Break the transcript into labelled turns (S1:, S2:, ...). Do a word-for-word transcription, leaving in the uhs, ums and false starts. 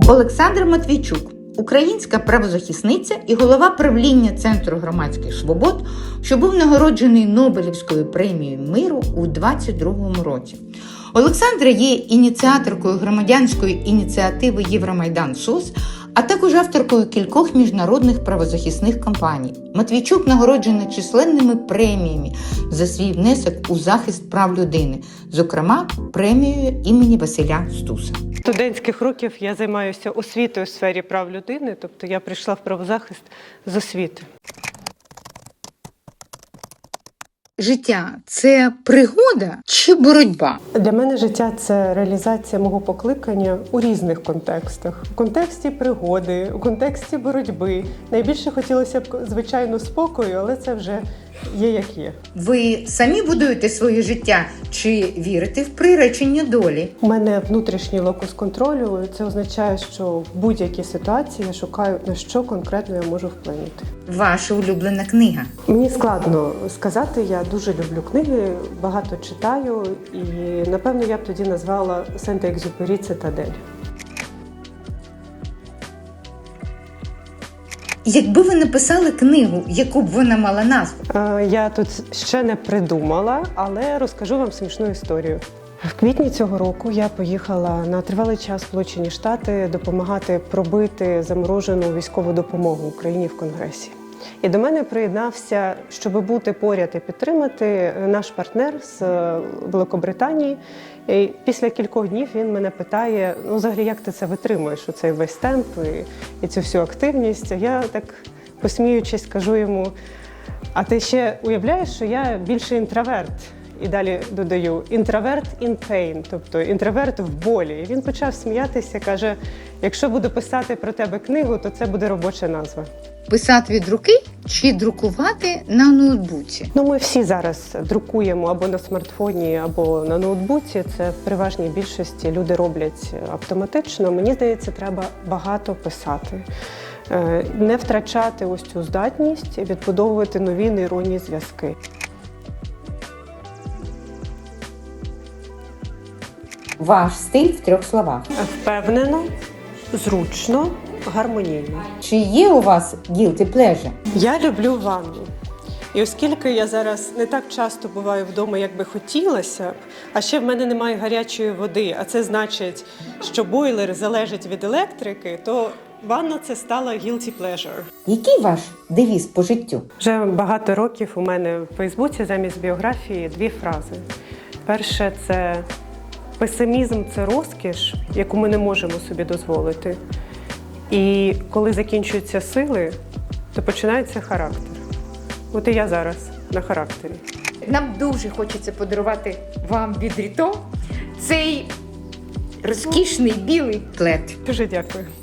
S1: Олександра Матвійчук – українська правозахисниця і голова правління Центру громадських свобод, що був нагороджений Нобелівською премією миру у двадцять другому році. Олександра є ініціаторкою громадянської ініціативи «Євромайдан СОС», а також авторкою кількох міжнародних правозахисних кампаній. Матвійчук нагороджена численними преміями за свій внесок у захист прав людини, зокрема премією імені Василя Стуса.
S2: З студентських років я займаюся освітою у сфері прав людини, тобто я прийшла в правозахист з освіти.
S1: Життя – це пригода чи боротьба?
S2: Для мене життя – це реалізація мого покликання у різних контекстах. У контексті пригоди, у контексті боротьби. Найбільше хотілося б, звичайно, спокою, але це вже є як є.
S1: Ви самі будуєте своє життя чи вірите в приречення долі?
S2: У мене внутрішній локус контролю. Це означає, що в будь-якій ситуації я шукаю, на що конкретно я можу вплинути.
S1: Ваша улюблена книга?
S2: Мені складно сказати, я дуже люблю книги, багато читаю, і, напевно, я б тоді назвала Сент-Екзюпері «Цитадель».
S1: Якби ви написали книгу, яку б вона мала назву?
S2: Я тут ще не придумала, але розкажу вам смішну історію. В квітні цього року я поїхала на тривалий час в Сполучені Штати допомагати пробити заморожену військову допомогу Україні в Конгресі. І до мене приєднався, щоб бути поряд і підтримати, наш партнер з Великобританії. І після кількох днів він мене питає, ну, взагалі, як ти це витримуєш, оцей весь темп і, і цю всю активність. Я так, посміючись, кажу йому, а ти ще уявляєш, що я більше інтроверт? І далі додаю «інтроверт in pain», тобто інтроверт в болі. І він почав сміятися, каже, якщо буду писати про тебе книгу, то це буде робоча назва.
S1: Писати від руки чи друкувати на ноутбуці?
S2: Ну, ми всі зараз друкуємо або на смартфоні, або на ноутбуці. Це в переважній більшості люди роблять автоматично. Мені здається, треба багато писати. Не втрачати ось цю здатність, відбудовувати нові нейронні зв'язки.
S1: Ваш стиль в трьох словах.
S2: Впевнено, зручно, гармонійно.
S1: Чи є у вас guilty pleasure?
S2: Я люблю ванну. І оскільки я зараз не так часто буваю вдома, як би хотілося б, а ще в мене немає гарячої води, а це значить, що бойлер залежить від електрики, то ванна – це стала guilty pleasure.
S1: Який ваш девіз по життю?
S2: Вже багато років у мене в Фейсбуці замість біографії дві фрази. Перше – це песимізм – це розкіш, яку ми не можемо собі дозволити. І коли закінчуються сили, то починається характер. От і я зараз на характері.
S1: Нам дуже хочеться подарувати вам від Ріто цей розкішний білий плед.
S2: Дуже дякую.